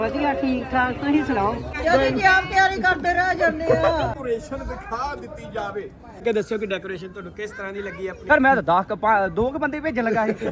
ਵਧੀਆ ਠੀਕ ਠਾਕ ਤੁਸੀਂ ਸੁਣਾਓ। ਜਦੋਂ ਜੀ ਆਪ ਤਿਆਰੀ ਕਰਦੇ ਰਹਿ ਜਾਂਦੇ ਆ। ਡੈਕੋਰੇਸ਼ਨ ਦਿਖਾ ਦਿੱਤੀ ਜਾਵੇ ਕਿ ਦੱਸਿਓ ਕਿ ਡੈਕੋਰੇਸ਼ਨ ਤੁਹਾਨੂੰ ਕਿਸ ਤਰ੍ਹਾਂ ਦੀ ਲੱਗੀ ਆਪਣੀ। ਪਰ ਮੈਂ ਤਾਂ 2 ਬੰਦੇ ਭੇਜਣ ਲੱਗਾ ਸੀ।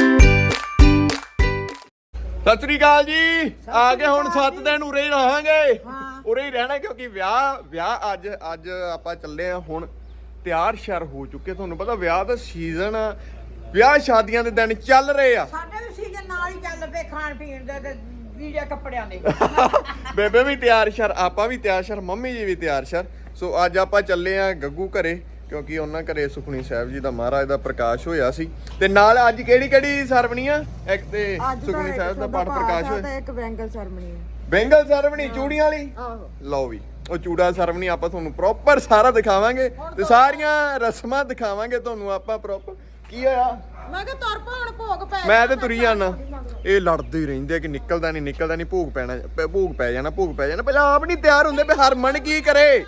ਸਤਿ ਸ੍ਰੀ ਅਕਾਲ ਜੀ। ਆ ਕੇ ਹੁਣ 7 ਦਿਨ ਉਰੇ ਹੀ ਰਹਾਂਗੇ। ਉਰੇ ਹੀ ਰਹਿਣਾ ਕਿਉਂਕਿ ਵਿਆਹ ਅੱਜ ਆਪਾਂ ਚੱਲੇ ਆ। ਹੁਣ ਤਿਆਰ ਸ਼ਰ ਹੋ ਚੁੱਕੇ। ਤੁਹਾਨੂੰ ਪਤਾ ਵਿਆਹ ਦਾ ਸੀਜ਼ਨ, ਵਿਆਹ ਸ਼ਾਦੀਆਂ ਦੇ ਦਿਨ ਚੱਲ ਰਹੇ ਆ। ਸਾਡੇ ਵੀ ਸੀਜ਼ਨ ਨਾਲ ਹੀ ਚੱਲ ਪਏ ਖਾਣ ਪੀਣ ਦੇ ਤੇ ਵੀਜ਼ਾ ਕੱਪੜਿਆਂ ਦੇ। ਬੇਬੇ ਵੀ ਤਿਆਰ ਸ਼ਰ, ਆਪਾਂ ਵੀ ਤਿਆਰ ਸ਼ਰ, ਮੰਮੀ ਜੀ ਵੀ ਤਿਆਰ ਸ਼ਰ। ਸੋ ਅੱਜ ਆਪਾਂ ਚੱਲੇ ਆ ਗੱਗੂ ਘਰੇ ਕਿਉਂਕਿ ਉਹਨਾਂ ਘਰੇ ਸੁਖਣੀ ਸਾਹਿਬ ਜੀ ਦਾ ਮਹਾਰਾਜ ਦਾ ਪ੍ਰਕਾਸ਼ ਹੋਇਆ ਸੀ। ਤੇ ਨਾਲ ਅੱਜ ਕਿਹੜੀ ਸਰਵਣੀ ਆ? ਇੱਕ ਤੇ ਸੁਖਣੀ ਸਾਹਿਬ ਦਾ ਪਾਠ ਪ੍ਰਕਾਸ਼ ਹੋਇਆ ਤੇ ਇੱਕ ਬੈਂਗਲ ਸਰਵਣੀ ਚੂੜੀਆਂ ਵਾਲੀ। ਲਓ ਵੀ ਉਹ ਚੂੜਾ ਸਰਵਣੀ ਆਪਾਂ ਤੁਹਾਨੂੰ ਪ੍ਰੋਪਰ ਸਾਰਾ ਦਿਖਾਵਾਂਗੇ ਤੇ ਸਾਰੀਆਂ ਰਸਮਾਂ ਦਿਖਾਵਾਂਗੇ ਤੁਹਾਨੂੰ ਆਪਾਂ ਪ੍ਰੋਪਰ। ਕੀ ਹੋਇਆ? ਮੈਂ ਕਿਹਾ ਤੁਰ ਪਾ ਹੁਣ ਭੋਗ ਪੈ। ਮੈਂ ਤੇ ਤੁਰੀ ਜਾਣਾ। ਇਹ ਲੜਦੇ ਹੀ ਰਹਿੰਦੇ ਆ ਕਿ ਨਿਕਲਦਾ ਨਹੀਂ ਭੋਗ ਪੈ ਜਾਣਾ। ਪਹਿਲਾਂ ਆਪ ਨਹੀਂ ਤਿਆਰ ਹੁੰਦੇ। ਹਰਮਨ ਕੀ ਕਰੇ?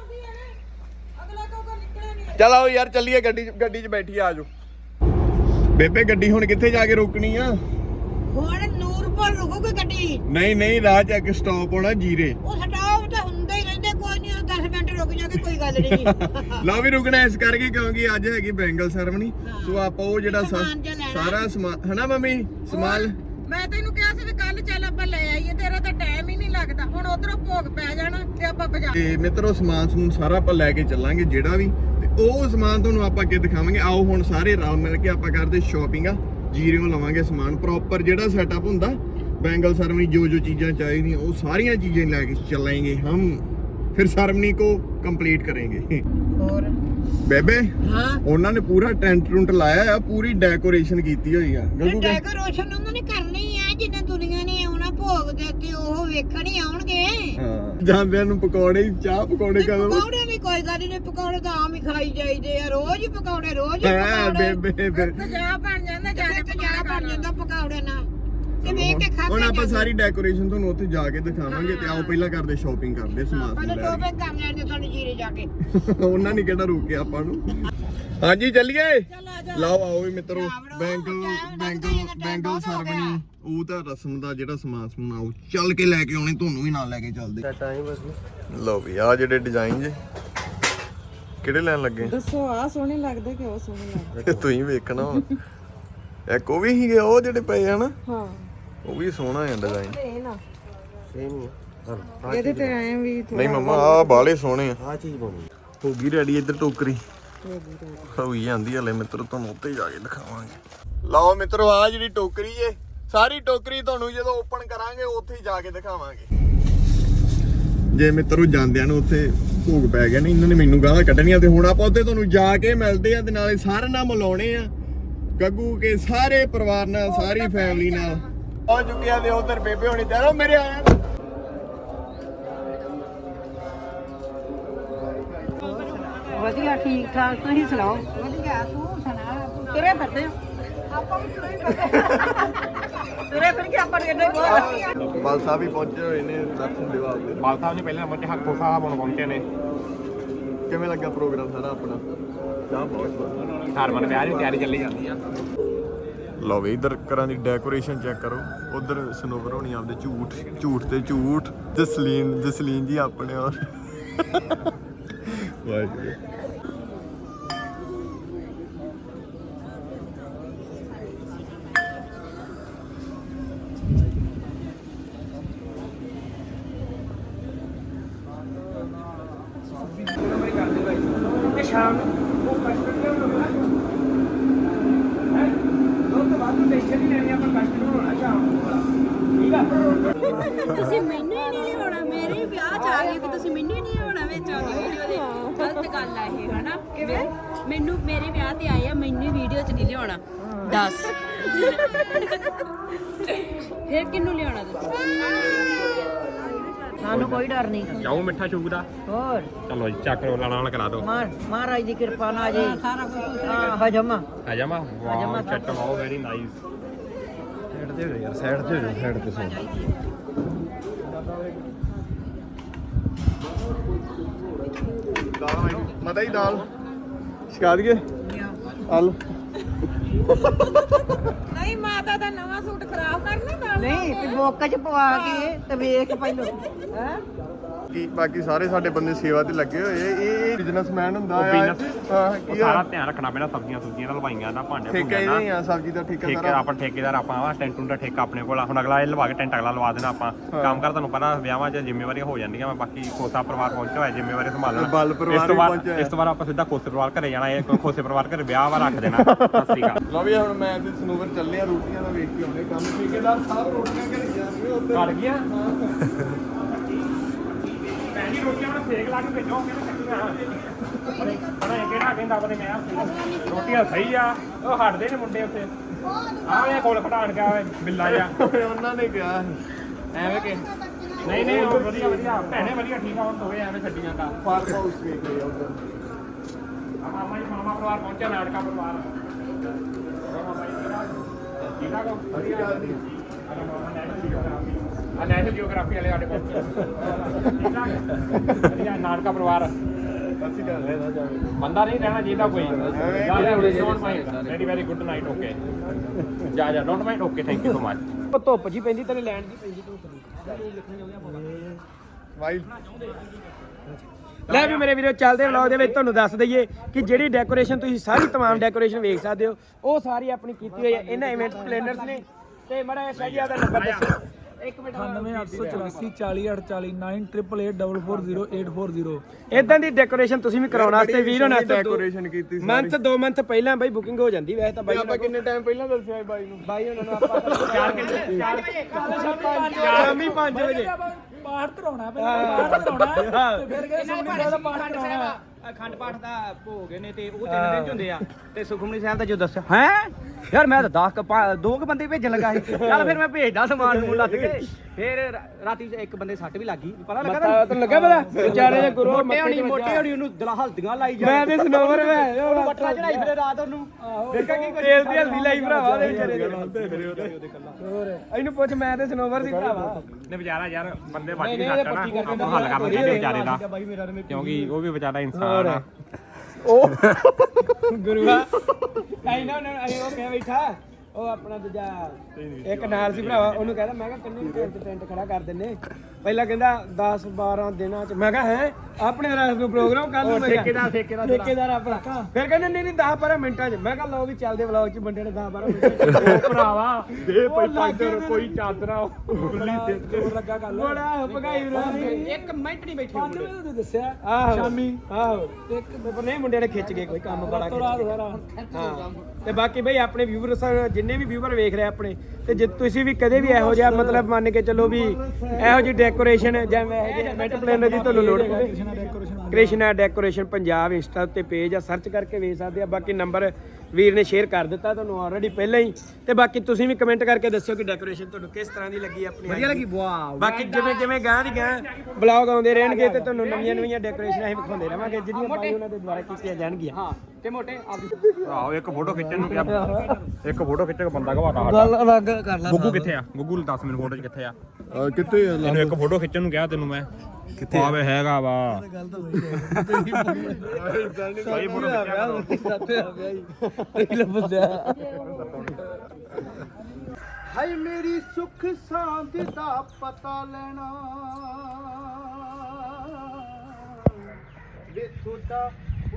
ਚਲ ਆਓ ਯਾਰ ਚੱਲੀਏ, ਗੱਡੀ 'ਚ ਬੈਠੀ ਆ ਜਾਓ। ਬੇਬੇ ਗੱਡੀ ਹੁਣ ਕਿੱਥੇ ਜਾ ਕੇ ਰੋਕਣੀ ਆ? ਹੁਣ ਨੂਰਪੁਰ ਰੁਕੂਗੀ ਗੱਡੀ। ਨਹੀਂ ਰਾਹ 'ਚ ਇੱਕ ਸਟਾਪ ਹੋਣਾ ਜੀਰੇ। ਉਹ ਸਟਾਪ ਤਾਂ ਹੁੰਦਾ ਹੀ ਰਹਿੰਦੇ, ਕੋਈ ਨਹੀਂ 10 ਮਿੰਟ ਰੁਕ ਜਾਗੇ, ਕੋਈ ਗੱਲ ਨਹੀਂ। ਲਓ ਵੀ ਰੁਕਣਾ ਇਸ ਕਰਕੇ ਕਿਉਂਕਿ ਅੱਜ ਹੈਗੀ ਬੈਂਗਲ ਸਰਵਣੀ। ਸੋ ਆਪਾਂ ਉਹ ਜਿਹੜਾ ਸਾਰਾ ਸਮਾਨ ਹਨਾ ਮੰਮੀ ਸਮਾਨ ਮੈਂ ਤੈਨੂੰ ਕਿਹਾ ਸੀ ਕਿ ਕੱਲ ਚੱਲ ਆਪਾਂ ਲੈ ਆਈਏ, ਤੇਰਾ ਤਾਂ ਟਾਈਮ ਹੀ ਨਹੀਂ ਲੱਗਦਾ। ਹੁਣ ਉਧਰੋਂ ਭੋਗ ਪੈ ਜਾਣਾ ਤੇ ਆਪਾਂ ਬਾਜ਼ਾਰ ਤੇ ਮਿੱਤਰੋ ਸਮਾਨ ਸਾਰਾ ਆਪਾਂ ਲੈ ਕੇ ਚੱਲਾਂਗੇ ਜਿਹੜਾ ਵੀ, ਤੇ ਉਹ ਸਮਾਨ ਤੁਹਾਨੂੰ ਆਪਾਂ ਅੱਗੇ ਦਿਖਾਵਾਂਗੇ। ਆਓ ਹੁਣ ਸਾਰੇ ਰਲ ਮਿਲ ਕੇ ਆਪਾਂ ਕਰਦੇ ਸ਼ਾਪਿੰਗ ਆ। ਜੀਰਿਓ ਲਵਾਂਗੇ ਸਮਾਨ ਪ੍ਰੋਪਰ ਜਿਹੜਾ ਸੈਟਅਪ ਹੁੰਦਾ ਬੈਂਗਲ ਸਰਵਣੀ, ਜੋ ਚੀਜ਼ਾਂ ਚਾਹੀਦੀਆਂ ਉਹ ਸਾਰੀਆਂ ਚੀਜ਼ਾਂ ਲੈ ਕੇ ਚੱਲਾਂਗੇ ਹਮ। ਫਿਰ ਸਰਵਣੀ को कंप्लीट करेंगे। ਹੋਰ ਬੇਬੇ ਹਾਂ, ਉਹਨਾਂ ਨੇ ਪੂਰਾ ਟੈਂਟ ਲਾਇਆ ਆ, ਪੂਰੀ ਡੈਕੋਰੇਸ਼ਨ ਕੀਤੀ ਹੋਈ ਆ। ਡੈਕੋਰੇਸ਼ਨ ਉਹਨਾਂ ਨੇ ਕਰਨੀ ਆ। ਜਿੰਨੇ ਦੁਨੀਆ ਨੇ ਆਉਣਾ ਭੋਗ ਦੇ ਤੇ ਉਹ ਵੇਖਣ ਹੀ ਆਉਣਗੇ। ਹਾਂ, ਜਾਂਦਿਆਂ ਨੂੰ ਪਕੌੜੇ ਚਾਹ ਪਕੌੜੇ ਕਦੋਂ? ਪਕੌੜੇ ਵੀ ਕੋਈ ਗੱਲ ਨਹੀਂ, ਪਕੌੜੇ ਤਾਂ ਆਮ ਹੀ ਖਾਈ ਜਾਈਦੇ ਆ। ਰੋਜ਼ ਹੀ ਪਕੌੜੇ ਬੇਬੇ ਫਿਰ ਪੰਜਾਬ ਬਣ ਜਾਂਦਾ, ਜਾ ਕੇ ਪੰਜਾਬ ਬਣ ਜਾਂਦਾ ਪਕੌੜੇ ਨਾਲ। ਤੇ ਵੇਖ ਕੇ ਖਾ ਹੁਣ ਆਪਾਂ ਸਾਰੀ ਡੈਕੋਰੇਸ਼ਨ ਤੁਹਾਨੂੰ ਉੱਥੇ ਜਾ ਕੇ ਦਿਖਾਵਾਂਗੇ। ਤੇ ਆਓ ਪਹਿਲਾਂ ਕਰਦੇ ਸ਼ਾਪਿੰਗ ਕਰਦੇ ਸਮਾਨ ਪਹਿਲਾਂ ਸ਼ੋਪਿੰਗ ਕਰ ਲੈਣੇ ਤੁਹਾਨੂੰ ਜੀਰੇ ਜਾ ਕੇ। ਉਹਨਾਂ ਨੇ ਕਿਹੜਾ ਰੋਕਿਆ ਆਪਾਂ ਨੂੰ। ਹਾਂਜੀ ਚੱਲੀਏ। ਲਓ ਆਓ ਵੀ ਮਿੱਤਰੋ, ਬੈਂਗਲ ਸਰਵਣੀ ਉਹ ਤਾਂ ਰਸਮ ਦਾ ਜਿਹੜਾ ਸਮਾਨ ਆਓ ਚੱਲ ਕੇ ਲੈ ਕੇ ਆਉਣੇ, ਤੁਹਾਨੂੰ ਵੀ ਨਾਲ ਲੈ ਕੇ ਚੱਲਦੇ। ਲਓ ਵੀ ਆ ਜਿਹੜੇ ਡਿਜ਼ਾਈਨ ਜੇ ਕਿਹੜੇ ਲੈਣ ਲੱਗੇ ਦੱਸੋ। ਆ ਸੋਹਣੇ ਲੱਗਦੇ ਕਿ ਉਹ ਸੋਹਣੇ ਲੱਗਦੇ? ਤੁਸੀਂ ਵੇਖਣਾ ਵਾ। ਇੱਕ ਉਹ ਵੀ ਸੀਗੇ ਉਹ ਜਿਹੜੇ ਪਏ ਹਨ। ਹਾਂ, ਉਹ ਵੀ ਸੋਹਣਾ ਹੈ ਡਿਜ਼ਾਈਨ। ਇਹ ਨਾ ਸੇਮ ਹੀ ਆ। ਇਹਦੇ ਤੇ ਐਂ ਵੀ ਨਹੀਂ ਮਮਾ ਆ ਬਾਲੇ ਸੋਹਣੇ ਆ। ਆ ਚੀਜ਼ ਬਣੀ ਹੋ ਗਈ ਰੈਡੀ ਇੱਧਰ ਟੋਕਰੀ ਹੋਈ ਜਾਂਦੀ ਹਲੇ ਮਿੱਤਰੋ, ਤੁਹਾਨੂੰ ਉੱਤੇ ਜਾ ਕੇ ਦਿਖਾਵਾਂਗੇ। ਲਓ ਮਿੱਤਰੋ ਆ ਜਿਹੜੀ ਟੋਕਰੀ ਏ, ਸਾਰੀ ਟੋਕਰੀ ਤੁਹਾਨੂੰ ਜਦੋਂ ਓਪਨ ਕਰਾਂਗੇ ਉੱਥੇ ਹੀ ਜਾ ਕੇ ਦਿਖਾਵਾਂਗੇ। ਜੇ ਮਿੱਤਰੋ ਜਾਂਦਿਆਂ ਨੂੰ ਉੱਥੇ ਭੋਗ ਪੈ ਗਿਆ, ਨਹੀਂ ਇਹਨਾਂ ਨੇ ਮੈਨੂੰ ਗਾਲਾਂ ਕੱਢਣੀਆਂ। ਤੇ ਹੁਣ ਆਪਾਂ ਉੱਥੇ ਤੁਹਾਨੂੰ ਜਾ ਕੇ ਮਿਲਦੇ ਆ ਤੇ ਨਾਲੇ ਸਾਰਿਆਂ ਨਾਲ ਮਿਲਾਉਣੇ ਆ ਗੱਗੂ ਕੇ ਸਾਰੇ ਪਰਿਵਾਰ ਨਾਲ, ਸਾਰੀ ਫੈਮਿਲੀ ਨਾਲ। ਆ ਚੁੱਕਿਆ ਤੇ ਉਧਰ ਬੇਬੇ ਹੋਣੀ ਤੇ ਮੇਰੇ ਆਇਆ। ਵਧੀਆ ਠੀਕ ਠਾਕ ਤੁਸੀਂ ਸੁਣਾਓ। ਵਧੀਆ, ਤੂੰ ਸੁਣਾ। ਤੁਰੇ ਫਿਰਦੇ ਆਪਾਂ ਵੀ ਤੁਰੇ ਤੁਰੇ ਫਿਰ ਕੇ ਆਪਾਂ ਨੇ ਬਹੁਤ ਬਾਲ ਸਾਹਿਬ ਵੀ ਪਹੁੰਚੇ ਹੋਏ ਨੇ ਦਰਸ਼ਨ ਦਿਵਾ ਦੇ। ਬਾਲ ਸਾਹਿਬ ਜੀ ਪਹਿਲੇ ਨੰਬਰ ਤੇ ਹੱਕੋ ਸਾਹਿਬ ਹੁਣ ਪਹੁੰਚੇ ਨੇ। ਕਿਵੇਂ ਲੱਗਾ ਪ੍ਰੋਗਰਾਮ ਸਾਰਾ ਆਪਣਾ? ਚਾਹ ਬਹੁਤ ਹਰਮਨ ਵਿਆਹ ਦੀ ਤਿਆਰੀ ਚੱਲੀ ਜਾਂਦੀ ਆ। ਲਓ ਵੀ ਇਧਰ ਘਰਾਂ ਦੀ ਡੈਕੋਰੇਸ਼ਨ ਚੈੱਕ ਕਰੋ। ਉਧਰ ਸਨੋਵਰ ਹੋਣੀ ਆਪਦੇ ਝੂਠ ਤੇ ਝੂਠ। ਜਸਲੀਨ ਜੀ ਆਪਣੇ ਔਰ ਵਾਹਿਗੁਰੂ। ਸ਼ਾਮ ਨੂੰ ਉਹ ਕਸਟਮਰ ਲਿਆਉਣਾ ਹੈ। ਲੋਕ ਬਾਅਦ ਨੂੰ ਟੈਨਸ਼ਨ ਨਹੀਂ ਲੈਣੀ, ਆਪਾਂ ਕਸਟਮਰ ਹੋਣਾ ਸ਼ਾਮ ਨੂੰ। ਠੀਕ ਆ। ਤੁਸੀਂ ਮੈਨੂੰ ਹੀ ਨਹੀਂ ਲਿਆਉਣਾ, ਮੇਰੇ ਵਿਆਹ ਚ ਆ ਗਏ ਤੇ ਤੁਸੀਂ ਮੈਨੂੰ ਹੀ ਨਹੀਂ ਲਿਆਉਣਾ ਵਿੱਚ ਆਉਂਦੀ ਵੀਡੀਓ ਦੇ। ਗਲਤ ਗੱਲ ਆ ਇਹ, ਹਨਾ? ਕਿਵੇਂ ਮੈਨੂੰ ਮੇਰੇ ਵਿਆਹ ਤੇ ਆਏ ਆ, ਮੈਨੂੰ ਵੀਡੀਓ ਚ ਨਹੀਂ ਲਿਆਉਣਾ। ਦੱਸ ਫਿਰ ਕਿਹਨੂੰ ਲਿਆਉਣਾ ਤੁਸੀਂ? ਸਾਨੂੰ ਕੋਈ ਡਰ ਨਹੀਂ। ਜਾਓ ਮਿੱਠਾ ਸ਼ੂਕ ਦਾ। ਹੋਰ ਚਲੋ ਜੀ ਚੱਕ ਰੋ ਲਾਣਾ ਕਰਾ ਦਿਓ। ਮਹਾਰਾਜ ਦੀ ਕਿਰਪਾ ਨਾਲ ਜੀ ਸਾਰਾ ਕੁਝ ਹਜਮ ਆ ਜਾਮਾ। ਵਾਓ ਚੱਟ ਵਾਓ, ਵੈਰੀ ਨਾਈਸ। ਸਾਈਡ ਤੇ ਹੋ ਯਾਰ, ਸਾਈਡ ਤੇ ਹੋ, ਸਾਈਡ ਤੇ ਸਾਈਡ। ਦਾਲ ਮਤਾ ਹੀ ਦਾਲ ਛਕਾ ਦਈਏ। ਆਲੂ ਨਹੀਂ ਮਾਤਾ ਦਾ ਨਵਾਂ ਸੂਟ ਖਰਾਬ ਕਰਨਾ ਨਾਲ ਨਹੀਂ ਤੇ ਬੋਕ ਚ ਪਵਾ ਕੇ ਤੇ ਵੇਖ ਪਹਿਲੋਂ ਹੈ ਕੀ ਬਾਕੀ ਸਾਰੇ ਸਾਡੇ ਬੰਦੇ ਸੇਵਾ ਤੇ ਲੱਗੇ ਹੋਏ ਇਹ ਬਿਜ਼ਨਸਮੈਨ ਹੁੰਦਾ ਉਹ ਆ business- ਹਾਂ ਉਹ ਕੀ ਸਾਰਾ ਆ ਧਿਆਨ ਰੱਖਣਾ ਪੈਣਾ ਸਬਜ਼ੀਆਂ ਸੁਬਜ਼ੀਆਂ ਦਾ ਲਵਾਈਆਂ ਦਾ ਭਾਂਡੇ ਠੇਕਾ ਭੁੰਨਿਆਂ ਹੀ ਦਾ ਨਹੀਂ ਆ ਸਬਜ਼ੀ ਦਾ ਠੇਕਾ ਠੇਕੇ ਸਾਰਾ ਆਪਾਂ ਠੇਕੇਦਾਰ ਆਪਾਂ ਵਾ ਟੈਂਟ ਦਾ ਠੇਕਾ ਆਪਣੇ ਕੋਲ ਆ ਹੁਣ ਅਗਲਾ ਇਹ ਲਵਾ ਕੇ ਟੈਂਟ ਅਗਲਾ ਲਵਾ ਦੇਣਾ ਆਪਾਂ ਕੰਮ ਕਰ ਤੁਹਾਨੂੰ ਪਤਾ ਵਿਆਹਾਂ 'ਚ ਜ਼ਿੰਮੇਵਾਰੀਆਂ ਹੋ ਜਾਂਦੀਆਂ ਵਾ ਬਾਕੀ ਖੋਸਾ ਪਰਿਵਾਰ ਪਹੁੰਚਿਆ ਹੋਇਆ ਜ਼ਿੰਮੇਵਾਰੀ ਸੰਭਾਲਣਾ ਬਲ ਪਰਿਵਾਰ ਵੀ ਪਹੁੰਚਿਆ ਇਸ ਤੋਂ ਬਾਅਦ ਆਪਾਂ ਸਿੱਧਾ ਖੋਸੇ ਪਰਿਵਾਰ ਘਰੇ ਜਾਣਾ ਇਹ ਖੋਸੇ ਪਰਿਵਾਰ ਘਰੇ ਵਿਆਹ ਵਾ ਰੱਖ ਦੇਣਾ ਸਤਿ ਸ੍ਰੀ ਅਕਾਲ ਲਓ ਵੀ ਹੁਣ ਮੈਂ ਤੇ ਸਨੂਵਰ ਚੱਲੇ ਆ ਰੋਟੀਆਂ ਦਾ ਵੇਖ ਕੇ ਆਉਣੇ ਕੰਮ ਠੇਕੇਦਾਰ ਸਾਹਿਬ ਰੋਟੀਆਂ ਘਰੇ ਜਾਂਦੇ ਉੱਧਰ ਕਰ ਗਿਆ ਭੈਣ ਜੀ ਰੋਟੀਆਂ ਨੂੰ ਸੇਕ ਲਾ ਕੇ ਭੇਜੋ ਕਿਹਨੇ ਬਣਾ ਕਿਹੜਾ ਕਹਿੰਦਾ ਆਪਣੇ ਮੈਂ ਰੋਟੀਆਂ ਸਹੀ ਆ ਉਹ ਹਟਦੇ ਨੇ ਮੁੰਡੇ ਉੱਥੇ ਆਹ ਕੋਲ ਖਟਾਣ ਕੇ ਆਵੇ ਬਿੱਲਾ ਜਾ ਉਹਨਾਂ ਨੇ ਕਿਹਾ ਐਵੇਂ ਕਿ ਨਹੀਂ ਨਹੀਂ ਉਹ ਵਧੀਆ ਵਧੀਆ ਭੈਣੇ ਵਧੀਆ ਠੀਕ ਆ ਹੁਣ ਦੋਵੇਂ ਐਵੇਂ ਛੱਡੀਆਂ ਦਾ ਫਾਰਮ ਹਾਊਸ ਵੇਖ ਕੇ ਉੱਧਰ ਮਾਮਾ ਪਰਿਵਾਰ ਪਹੁੰਚਿਆ ਨਾਟਕਾ ਪਰਿਵਾਰ ਇਹਨਾਂ ਕੋ ਵਧੀਆ ਨੈਸ਼ਨਲ ਜੀਓਗ੍ਰਾਫੀ ਵਾਲੇ ਸਾਡੇ ਕੋਲ ਵਧੀਆ ਨਾਟਕਾ ਪਰਿਵਾਰ ਅਸੀਂ ਕਰ ਰਹੇ ਨਾ ਜਾਵੇ ਬੰਦਾ ਨਹੀਂ ਰਹਿਣਾ ਚਾਹੀਦਾ ਕੋਈ very very good night okay ਜਾ don't mind okay thank you so much ਉਹ ਧੁੱਪ ਜੀ ਪੈਂਦੀ ਤੇਰੇ ਲੈਣ ਦੀ ਪੈਂਦੀ ਧੁੱਪ ਵਾਈਲ ਲੈ ਵੀ ਮੇਰੇ ਵੀਰੋ ਚੱਲਦੇ ਵਲੌਗ ਦੇ ਵਿੱਚ ਤੁਹਾਨੂੰ ਦੱਸ ਦਈਏ ਕਿ ਜਿਹੜੀ ਡੈਕੋਰੇਸ਼ਨ ਤੁਸੀਂ ਸਾਰੀ तमाम ਡੈਕੋਰੇਸ਼ਨ ਵੇਖ ਸਕਦੇ ਹੋ ਉਹ ਸਾਰੀ ਆਪਣੀ ਕੀਤੀ ਹੋਈ ਹੈ ਇਹਨਾਂ ਇਵੈਂਟ ਪਲੈਨਰਸ ਨੇ ਤੇ ਮੜਾ ਸ਼ਾਹਜੀਆ ਦਾ ਨੰਬਰ ਦੱਸੋ ਇੱਕ ਮਿੰਟ 98849488440840 ਇਦਾਂ ਦੀ ਡੈਕੋਰੇਸ਼ਨ ਤੁਸੀਂ ਵੀ ਕਰਾਉਣ ਵਾਸਤੇ ਵੀਰ ਹੋਣਾ ਡੈਕੋਰੇਸ਼ਨ ਕੀਤੀ ਮੰਥ 2 ਮੰਥ ਪਹਿਲਾਂ ਬਾਈ ਬੁਕਿੰਗ ਹੋ ਜਾਂਦੀ ਵੈਸੇ ਤਾਂ ਬਾਈ ਆਪਾਂ ਕਿੰਨੇ ਟਾਈਮ ਪਹਿਲਾਂ ਦੱਸਿਆ ਸੀ ਬਾਈ ਨੂੰ ਬਾਈ ਉਹਨਾਂ ਨੂੰ ਆਪਾਂ 4 ਸ਼ਾਮੀ 5 ਵਜੇ ਪਾਠ ਧਰਾਉਣਾ ਪਹਿਲਾਂ ਪਾਠ ਧਰਾਉਣਾ ਤੇ ਫਿਰ ਕੇ ਸੁਖਮਨੀ ਸਾਹਿਬ ਦਾ ਪਾਠ ਧਰਾਉਣਾ ਅਖੰਡ ਪਾਠ ਦਾ ਭੋਗ ਨੇ ਤੇ ਉਹ 3 ਦਿਨ ਚ ਹੁੰਦੇ ਆ ਤੇ ਸੁਖਮਨੀ ਸਾਹਿਬ ਦਾ ਜੋ ਦੱਸਿਆ ਹੈ ਯਾਰ ਮੈਂ ਤਾਂ 2 ਬੰਦੇ ਭੇਜਣ ਲੱਗਾ ਸੀ ਚੱਲ ਫਿਰ ਮੈਂ ਭੇਜਦਾ ਸਮਾਨ ਨੂੰ ਲੱਦ ਕੇ ਫਿਰ ਰਾਤੀ ਇੱਕ ਬੰਦੇ ਸੱਟ ਵੀ ਲੱਗੀ ਪਤਾ ਲੱਗਾ ਤੈਨੂੰ ਲੱਗਾ ਪਤਾ ਵਿਚਾਰੇ ਦੇ ਗੁਰੂ ਮੋਟੇ ਹੋਣੀ ਉਹਨੂੰ ਦਿਲ ਹਲਦੀਆਂ ਲਾਈ ਜਾ ਮੈਂ ਤੇ ਸਨੋਵਰ ਮੈਂ ਉਹਨੂੰ ਬੱਟਾ ਚੜਾਈ ਫਿਰ ਰਾਤ ਉਹਨੂੰ ਦੇਖਾ ਕੀ ਕੁਝ ਤੇਲ ਦੀ ਹਲਦੀ ਲਾਈ ਭਰਾਵਾ ਉਹਦੇ ਵਿਚਾਰੇ ਦੇ ਹੋਰ ਇਹਨੂੰ ਪੁੱਛ ਮੈਂ ਤੇ ਸਨੋਵਰ ਸੀ ਭਰਾਵਾ ਨੇ ਵਿਚਾਰਾ ਯਾਰ ਬੰਦੇ ਵੱਜ ਨਹੀਂ ਸਕਦਾ ਨਾ ਆਪਾਂ ਹੱਲ ਕਰਨਾ ਚਾਹੀਦਾ ਵਿਚਾਰੇ ਦਾ ਕਿਉਂਕਿ ਉਹ ਵੀ ਵਿਚਾਰਾ ਇਨਸਾਨ ਆ ਉਹ ਗੁਰੂਆ ਐਨਾ ਉਹ ਕਿਹਾ ਬੈਠਾ ਉਹ ਆਪਣਾ ਦੂਜਾ ਇੱਕ ਨਾਲ ਸੀ ਭਰਾਵਾ ਉਹਨੂੰ ਕਹਿੰਦਾ ਮੈਂ ਕਿਹਾ ਕਿੰਨੇ ਟੈਂਟ ਖੜਾ ਕਰ ਦਿੰਨੇ ਪਹਿਲਾਂ ਕਹਿੰਦਾ 10 12 ਦਿਨਾਂ ਚ ਮੈਂ ਕਿਹਾ ਹੈ ਆਪਣੇ ਰਾਤ ਨੂੰ ਪ੍ਰੋਗਰਾਮ ਕੱਲ ਨੂੰ ਠੇਕੇਦਾਰ ਆਪਣਾ ਫਿਰ ਕਹਿੰਦੇ ਨਹੀਂ 10 12 ਮਿੰਟਾਂ ਚ ਮੈਂ ਕਿਹਾ ਲਓ ਵੀ ਚੱਲਦੇ ਵਲੌਗ ਚ ਬੰਦੇ ਨੇ 10 12 ਮਿੰਟਾਂ ਚ ਭਰਾਵਾ ਦੇ ਪੰਜਰ ਕੋਈ ਚਾਦਰਾ ਲੱਗਾ ਗੱਲ ਬੜਾ ਭਗਾਈ ਇੱਕ ਮਿੰਟ ਨਹੀਂ ਬੈਠੇ 5 ਵਜੇ ਤੂੰ ਦੱਸਿਆ ਆਹੋ ਸ਼ਾਮੀ ਆਹੋ ਇੱਕ ਨਹੀਂ ਮੁੰਡਿਆਂ ਨੇ ਖਿੱਚ ਗਏ ਕੋਈ ਕੰਮ ਬੜਾ ਹਾਂ ਤੇ ਬਾਕੀ ਬਈ ਆਪਣੇ ਵਿਊਅਰਸ ਜਿੰਨੇ ਵੀ ਵਿਊਅਰ ਵੇਖ ਰਹੇ ਆਪਣੇ ਤੇ ਜੇ ਤੁਸੀਂ ਵੀ ਕਦੇ ਵੀ ਇਹੋ ਜਿਹਾ ਮਤਲਬ ਮੰਨ ਕੇ ਚੱਲੋ ਵੀ ਇਹੋ ਜਿਹੀ ਡੈਕੋਰੇਸ਼ਨ ਜਿਵੇਂ ਇਹੋ ਜਿਹੇ ਇਵੈਂਟ ਪਲੈਨਰ ਦੀ ਤੁਹਾਨੂੰ ਲੋੜ ਪਵੇ ਕ੍ਰਿਸ਼ਨਾ ਡੈਕੋਰੇਸ਼ਨ ਪੰਜਾਬ ਇੰਸਟਾ ਉੱਤੇ ਪੇਜ ਆ ਸਰਚ ਕਰਕੇ ਵੇਖ ਸਕਦੇ ਆ ਬਾਕੀ ਨੰਬਰ ਵੀਰ ਨੇ ਸ਼ੇਅਰ ਕਰ ਦਿੱਤਾ ਤੁਹਾਨੂੰ ਆਲਰੇਡੀ ਪਹਿਲਾਂ ਹੀ ਤੇ ਬਾਕੀ ਤੁਸੀਂ ਵੀ ਕਮੈਂਟ ਕਰਕੇ ਦੱਸਿਓ ਕਿ ਡੈਕੋਰੇਸ਼ਨ ਤੁਹਾਨੂੰ ਕਿਸ ਤਰ੍ਹਾਂ ਦੀ ਲੱਗੀ ਆਪਣੀ ਵਧੀਆ ਲੱਗੀ ਵਾਓ ਬਾਕੀ ਜਿਵੇਂ ਗਾਂ ਦੀ ਗਾਂ ਬਲੌਗ ਆਉਂਦੇ ਰਹਿਣਗੇ ਤੇ ਤੁਹਾਨੂੰ ਨਵੀਆਂ ਡੈਕੋਰੇਸ਼ਨ ਅਸੀਂ ਵਿਖਾਉਂਦੇ ਰਵਾਂਗੇ ਜਿਹੜੀਆਂ ਬਾਈ ਉਹਨਾਂ ਦੇ ਦੁਆਰਾ ਕੀਤੀਆਂ ਜਾਣਗੀਆਂ ਹਾਂ ਤੇ ਮੋਟੇ ਆਹੋ ਇੱਕ ਫੋਟੋ ਖਿੱਚਣ ਨੂੰ ਕਿਹਾ ਇੱਕ ਫੋਟੋ ਖਿੱਚ ਕੇ ਬੰਦਾ ਘਵਾਤਾ ਸਾਡਾ ਅਲੱਗ ਕਰ ਲੈ ਗੁੱਗੂ ਕਿੱਥੇ ਆ ਗੁੱਗੂ ਦੱਸ ਮੈਨੂੰ ਫੋਟੋ 'ਚ ਕਿੱਥੇ ਆ ਕਿੱਥੇ ਆ ਤੈਨੂੰ ਇੱਕ ਫੋਟੋ ਖਿੱਚਣ ਨੂੰ ਕਿਹਾ ਤੈਨੂੰ ਮੈਂ ਕਿੱਥੇ ਆਵੇ ਹੈਗਾ ਵਾ ਸਹੀ ਫੋਟੋ ਹਾਏ ਮੇਰੀ ਸੁੱਖ ਸਾਂਦ ਦਾ ਪਤਾ ਲੈਣਾ ਵੇ ਤੁਹਾਡਾ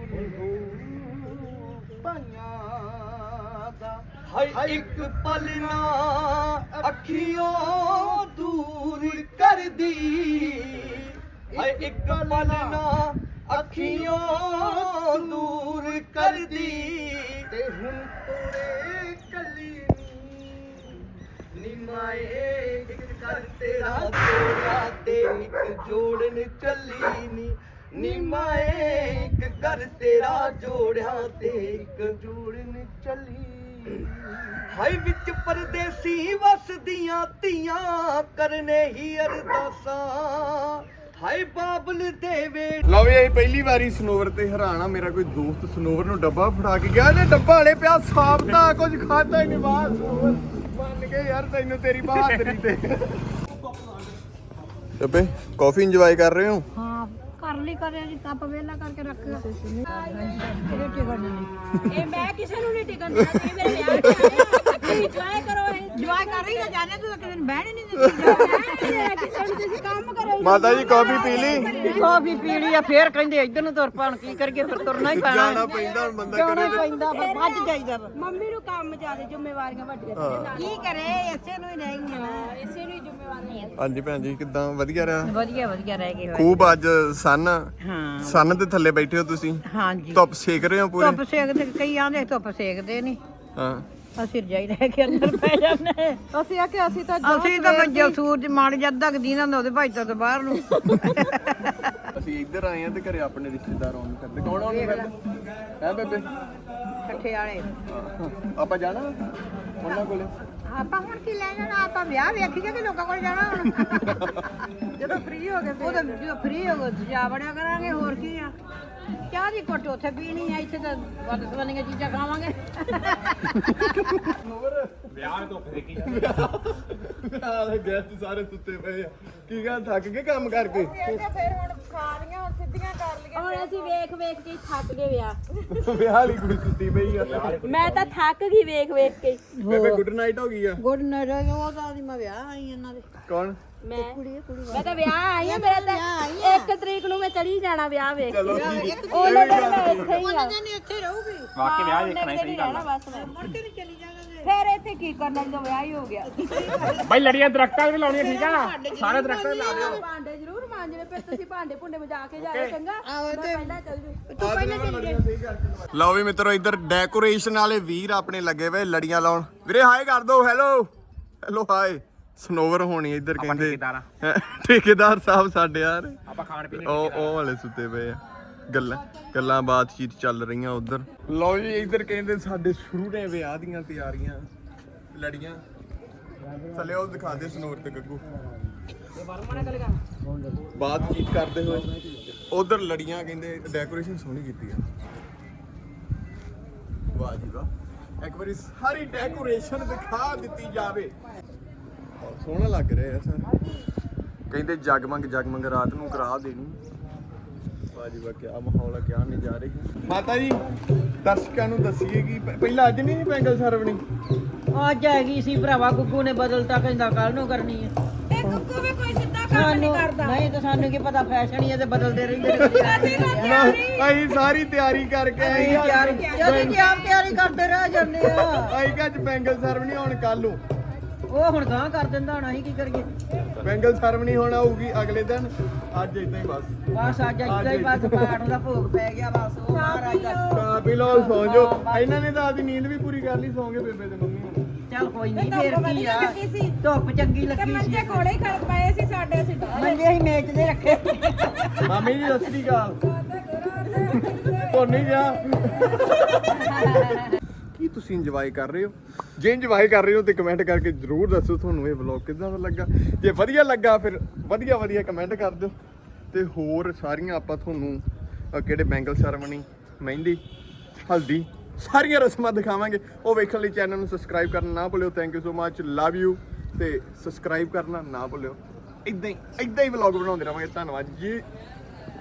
ਪਾਈਆਂ ਦਾ ਹਾਏ ਇੱਕ ਪਲ ਨਾ ਅੱਖੀਆਂ ਦੂਰ ਕਰਦੀ ਹਾਏ ਇੱਕ ਪਲ ਨਾ ਅੱਖੀਆਂ ਦੂਰ ਕਰਦੀ ਤੇ ਹੁਣ ਤੋਰੇ ਕੱਲੀ ਨੀ ਮਾਏ ਇੱਕ ਕਰ ਤੇਰਾ ਜੋੜਿਆ ਤੇ ਇੱਕ ਜੋੜਨ ਚੱਲੀ ਨੀ ਮਾਏ ਇੱਕ ਕਰ ਤੇਰਾ ਜੋੜਿਆ ਤੇ ਇੱਕ ਜੋੜਨ ਚੱਲੀ ਹਾਏ ਵਿੱਚ ਪਰਦੇਸੀ ਵਸਦੀਆਂ ਧੀਆਂ ਕਰਨੇ ਹੀ ਅਰਦਾਸਾਂ ਹਾਏ ਬਾਬਲ ਦੇਵੇ ਲਓ ਵੀ ਇਹ ਪਹਿਲੀ ਵਾਰੀ ਸਨੋਵਰ ਤੇ ਹੈਰਾਨਾ ਮੇਰਾ ਕੋਈ ਦੋਸਤ ਸਨੋਵਰ ਨੂੰ ਡੱਬਾ ਫੜਾ ਕੇ ਗਿਆ ਇਹਨੇ ਡੱਬਾ ਵਾਲੇ ਪਿਆ ਸਾਫ ਤਾਂ ਕੁਝ ਖਾਦਾ ਹੀ ਨਹੀਂ ਬਾਹਰ ਸਨੋਵਰ ਮੰਨ ਕੇ ਯਾਰ ਤੈਨੂੰ ਤੇਰੀ ਬਹਾਦਰੀ ਤੇ ਅੱਬੇ ਕਾਫੀ ਇੰਜੋਏ ਕਰ ਰਹੇ ਹੋ ਹਾਂ ਕਰ ਕੁਰਲੀ ਕਰੇ ਜੀ ਕੱਪ ਵੇਲਾ ਕਰਕੇ ਰੱਖ ਇਹ ਮੈਂ ਕਿਸੇ ਨੂੰ ਨਹੀਂ ਟਿਕਣ ਦੇਣਾ ਤੁਸੀਂ ਮੇਰੇ ਵਿਆਹ ਤੇ ਆਏ ਇੰਜੋਏ ਕਰੋ ਇਹ ਜਵਾਈ ਕਰ ਰਹੀ ਨਾ ਜਾਣੇ ਤੂੰ ਕਿਸੇ ਨੂੰ ਬਹਿਣ ਹੀ ਨਹੀਂ ਦਿੱਤੀ ਕਿਸੇ ਨੂੰ ਤੁਸੀਂ ਕੰਮ ਕਰੋ ਮਾਤਾ ਜੀ ਕਾਫੀ ਪੀ ਲਈ ਕਾਫੀ ਪੀ ਲਈ ਆ ਫੇਰ ਕਹਿੰਦੇ ਇੱਧਰ ਨੂੰ ਤੁਰ ਪਾਣ ਕੀ ਕਰੀਏ ਫਿਰ ਤੁਰਨਾ ਹੀ ਪੈਣਾ ਜਾਣਾ ਪੈਂਦਾ ਹੁਣ ਬੰਦਾ ਜਾਣਾ ਕਰੇ ਪੈਂਦਾ ਵੱਜ ਜਾਈਦਾ ਮੰਮੀ ਨੂੰ ਕੰਮ ਜ਼ਿਆਦਾ ਜ਼ਿੰਮੇਵਾਰੀਆਂ ਵੱਡੀਆਂ ਕੀ ਕਰੇ ਇਸੇ ਨੂੰ ਹੀ ਰਹਿ ਗਈਆਂ ਇਸੇ ਨੂੰ ਹੀ ਜ਼ਿੰਮੇਵਾਰੀਆਂ ਹਾਂਜੀ ਭੈਣ ਜੀ ਕਿੱਦਾਂ ਵਧੀਆ ਰਿਹਾ ਵਧੀਆ ਵਧੀਆ ਰਹਿ ਗਏ ਖੂਬ ਅੱਜ ਸੰਨ ਹਾਂ ਸੰਨ ਦੇ ਥੱਲੇ ਬੈਠੇ ਹੋ ਤੁਸੀਂ ਹਾਂਜੀ ਧੁੱਪ ਸੇਕ ਰਹੇ ਹੋ ਪੂਰੇ ਧੁੱਪ ਸੇਕਦੇ ਕਈ ਆਂਦੇ ਧੁੱਪ ਸੇਕਦੇ ਨਹੀਂ ਹਾਂ ਅਸੀਂ ਰਜਾਈ ਲੈ ਕੇ ਅੰਦਰ ਪੈ ਜਾਂਦੇ ਅਸੀਂ ਆ ਕਿ ਅਸੀਂ ਤਾਂ ਜੋ ਸੂਰਜ ਮਾੜ ਜਾਂਦਾ ਕਿ ਦੀਨਾ ਹੁੰਦਾ ਉਹਦੇ ਭਾਈ ਤੋਂ ਬਾਹਰ ਨੂੰ ਅਸੀਂ ਇੱਧਰ ਆਏ ਆ ਤੇ ਘਰੇ ਆਪਣੇ ਰਿਸ਼ਤੇਦਾਰ ਆਉਣ ਕਰਦੇ ਕੌਣ ਆਉਣ ਕਰਦੇ ਹੈ ਬੇਬੇ ਇਕੱਠੇ ਵਾਲੇ ਆਪਾਂ ਜਾਣਾ ਉਹਨਾਂ ਕੋਲੇ ਆਪਾਂ ਹੁਣ ਕੀ ਲੈ ਜਾਣਾ ਆਪਾਂ ਵਿਆਹ ਵੇਖੀਏ ਕਿ ਲੋਕਾਂ ਕੋਲ ਜਾਣਾ ਹੁਣ ਜਦੋਂ ਫ੍ਰੀ ਹੋ ਗਏ ਉਹ ਤਾਂ ਜਦੋਂ ਫ੍ਰੀ ਹੋ ਗਏ ਜਾ ਬੜਿਆ ਕਰਾਂਗੇ ਹੋਰ ਕੀ ਆ ਚਾਹ ਦੀ ਘੁੱਟ ਉੱਥੇ ਪੀਣੀ ਆ ਇੱਥੇ ਤਾਂ ਵੱਧ ਸਵਾਨੀਆਂ ਚੀਜ਼ਾਂ ਖਾਵਾਂਗੇ ਵਿਆਹ ਧੁੱਪ ਦੇਖੀ ਆਲੇ ਗੈਸਟ ਸਾਰੇ ਸੁੱਤੇ ਪਏ ਆ ਕੀ ਗੱਲ ਥੱਕ ਗਏ ਕੰਮ ਕਰਕੇ ਹੁਣ ਅਸੀਂ ਵੇਖ ਵੇਖ ਕੇ ਥੱਕ ਗਏ ਵਿਆਹ ਵਿਆਹ ਵਾਲੀ ਕੁੜੀ ਸੁੱਤੀ ਪਈ ਆ ਮੈਂ ਤਾਂ ਥੱਕ ਗਈ ਵੇਖ ਵੇਖ ਕੇ ਬੇਬੇ ਗੁੱਡ ਨਾਈਟ ਹੋ ਗਈ ਆ ਗੁੱਡ ਨਾਈਟ ਉਹ ਤਾਂ ਮੈਂ ਵਿਆਹ ਆਈ ਇਹਨਾਂ ਦੇ ਕੌਣ ਮੈਂ ਤਾਂ ਵਿਆਹ ਆਈ ਆ ਮੇਰਾ ਤਾਂ 1 ਤਰੀਕ ਨੂੰ ਮੈਂ ਚਲੀ ਜਾਣਾ ਵਿਆਹ ਵੇਖ ਚਲੋ ਕੇ ਠੀਕ ਉਹ ਲੋਕ ਇੱਥੇ ਹੀ ਆ ਨਹੀਂ ਇੱਥੇ ਰਹੂਗੀ ਵਾਕਈ ਵਿਆਹ ਦੇਖਣਾ ਹੀ ਸਹੀ ਗੱਲ ਆ ਬਸ ਮੈਂ ਫਿਰ ਇੱਥੇ ਕੀ ਕਰਨਾ ਜਦੋਂ ਵਿਆਹ ਹੀ ਹੋ ਗਿਆ ਬਾਈ ਲੜੀਆਂ ਦਰਖਤਾਂ ਵੀ ਲਾਉਣੀਆਂ ਠੀਕ ਆ ਸਾਰੇ ਦਰਖਤਾਂ ਲਾ ਦਿਓ ਭਾਂਡੇ ਜ਼ਰੂਰ ਮਾਂਜਣੇ ਫਿਰ ਤੁਸੀਂ ਭਾਂਡੇ ਭੁੰਡੇ ਮਜਾ ਕੇ ਜਾਇਓ ਚੰਗਾ ਮੈਂ ਪਹਿਲਾਂ ਚੱਲ ਜੂ ਲਓ ਵੀ ਮਿੱਤਰੋ ਇੱਧਰ ਡੈਕੋਰੇਸ਼ਨ ਵਾਲੇ ਵੀਰ ਆਪਣੇ ਲੱਗੇ ਵੇ ਲੜੀਆਂ ਲਾਉਣ ਵੀਰੇ ਹਾਏ ਕਰ ਦੋ ਹੈਲੋ ਹੈਲੋ ਹਾਏ ਸਨੋਵਰ ਹੋਣੀ ਇੱਧਰ ਕਹਿੰਦੇ ਠੇਕੇਦਾਰ ਆ। ਠੇਕੇਦਾਰ ਸਾਹਿਬ ਸਾਡੇ ਯਾਰ ਆਪਾਂ ਖਾਣ ਪੀਣ ਉਹ ਵਾਲੇ ਸੁੱਤੇ ਪਏ ਆ ਗੱਲਾਂ ਬਾਤਚੀਤ ਚੱਲ ਰਹੀਆਂ ਉਧਰ ਲਓ ਜੀ ਇੱਧਰ ਕਹਿੰਦੇ ਸਾਡੇ ਸ਼ੁਰੂ ਨੇ ਵਿਆਹ ਦੀਆਂ ਤਿਆਰੀਆਂ ਲੜੀਆਂ ਥੱਲੇ ਉਹ ਦਿਖਾਦੇ ਸਨੋਰ ਤੇ ਗੱਗੂ ਬਾਤਚੀਤ ਕਰਦੇ ਹੋਏ ਉਧਰ ਲੜੀਆਂ ਕਹਿੰਦੇ ਡੈਕੋਰੇਸ਼ਨ ਸੋਹਣੀ ਕੀਤੀ ਆ ਵਾਹ ਜੀ ਵਾਹ ਇੱਕ ਵਾਰੀ ਸਾਰੀ ਡੈਕੋਰੇਸ਼ਨ ਦਿਖਾ ਦਿੱਤੀ ਜਾਵੇ ਬਹੁਤ ਸੋਹਣਾ ਲੱਗ ਰਿਹਾ ਸਰ ਕਹਿੰਦੇ ਜਗਮਗ ਰਾਤ ਨੂੰ ਕਰਾ ਦੇਣੀ ਵਾਜੀ ਵਾ ਕੀ ਮਾਹੌਲ ਹੈ ਕੀ ਨਜ਼ਾਰੇ ਮਾਤਾ ਜੀ ਦਰਸ਼ਕਾਂ ਨੂੰ ਦੱਸੀਏ ਕਿ ਪਹਿਲਾਂ ਅੱਜ ਨਹੀਂ ਬੈਂਗਲ ਸਰਵਣੀ ਅੱਜ ਹੈਗੀ ਸੀ ਭਰਾਵਾ ਗੁੱਗੂ ਨੇ ਬਦਲਤਾ ਕਹਿੰਦਾ ਕੱਲ ਨੂੰ ਕਰਨੀ ਹੈ ਇਹ ਗੁੱਗੂ ਵੀ ਕੋਈ ਸਿੱਧਾ ਕੰਮ ਨਹੀਂ ਕਰਦਾ ਨਹੀਂ ਤਾਂ ਸਾਨੂੰ ਕੀ ਪਤਾ ਫੈਸ਼ਨ ਹੀ ਹੈ ਤੇ ਬਦਲਦੇ ਰਹਿੰਦੇ ਨੇ ਅਸੀਂ ਸਾਰੀ ਤਿਆਰੀ ਕਰਕੇ ਆਏ ਜਦੋਂ ਆਪ ਤਿਆਰੀ ਕਰਦੇ ਰਹਿ ਜਾਂਦੇ ਆ ਅਸੀਂ ਕੱਜ ਬੈਂਗਲ ਸਰਵਣੀ ਹੁਣ ਕੱਲ ਨੂੰ ਉਹ ਹੁਣ ਗਾਂ ਕਰ ਦਿੰਦਾ ਹੁਣ ਅਸੀਂ ਕੀ ਕਰੀਏ ਬੈਂਗਲ ਸਰਵਣੀ ਹੁਣ ਆਊਗੀ ਅਗਲੇ ਦਿਨ ਅੱਜ ਇਦਾਂ ਹੀ ਬਸ ਬਸ ਅੱਜ ਇੱਦਾਂ ਹੀ ਬਸ ਪਾਠ ਦਾ ਭੋਗ ਪੈ ਗਿਆ ਬਸ ਉਹ ਮਹਾਰਾਜ ਦਾ ਖਾ ਪੀ ਲਓ ਸੌਂ ਜਾਓ ਇਹਨਾਂ ਨੇ ਤਾਂ ਆਦੀ ਨੀਂਦ ਵੀ ਪੂਰੀ ਕਰ ਲਈ ਸੌਂਗੇ ਬੇਬੇ ਤੇ ਮੰਮੀ ਹੁਣ ਚੱਲ ਕੋਈ ਨਹੀਂ ਫੇਰ ਕੀ ਆ ਧੁੱਪ ਚੰਗੀ ਲੱਗੀ ਸੀ ਮੰਜੇ ਕੋਲੇ ਖੜ ਪਏ ਸੀ ਸਾਡੇ ਅਸੀਂ ਮੰਜੇ ਅਸੀਂ ਮੇਚ ਦੇ ਰੱਖੇ ਮਾਮੀ ਜੀ ਸਤਿ ਸ੍ਰੀ ਅਕਾਲ ਤੋਂ ਨਹੀਂ ਜਾ ਕੀ ਤੁਸੀਂ ਇੰਜੋਏ ਕਰ ਰਹੇ ਹੋ ਜੇ ਇੰਜੋਏ ਕਰ ਰਹੇ ਹੋ ਤੇ ਕਮੈਂਟ ਕਰਕੇ ਜਰੂਰ ਦੱਸੋ ਤੁਹਾਨੂੰ ਇਹ ਵਲੌਗ ਕਿੱਦਾਂ ਦਾ ਲੱਗਾ ਜੇ ਵਧੀਆ ਲੱਗਾ ਫਿਰ ਵਧੀਆ ਕਮੈਂਟ ਕਰ ਦਿਓ ਤੇ ਹੋਰ ਸਾਰੀਆਂ ਆਪਾਂ ਤੁਹਾਨੂੰ ਕਿਹੜੇ ਬੈਂਗਲ ਸੈਰਮਨੀ ਮਹਿੰਦੀ ਹਲਦੀ ਸਾਰੀਆਂ ਰਸਮਾਂ ਦਿਖਾਵਾਂਗੇ ਉਹ ਵੇਖਣ ਲਈ ਚੈਨਲ ਨੂੰ ਸਬਸਕ੍ਰਾਈਬ ਕਰਨਾ ਨਾ ਭੁੱਲਿਓ thank you so much love you ਤੇ ਸਬਸਕ੍ਰਾਈਬ ਕਰਨਾ ਨਾ ਭੁੱਲਿਓ ਇਦਾਂ ਹੀ ਵਲੌਗ ਬਣਾਉਂਦੇ ਰਹਾਂਗੇ ਧੰਨਵਾਦ ਜੀ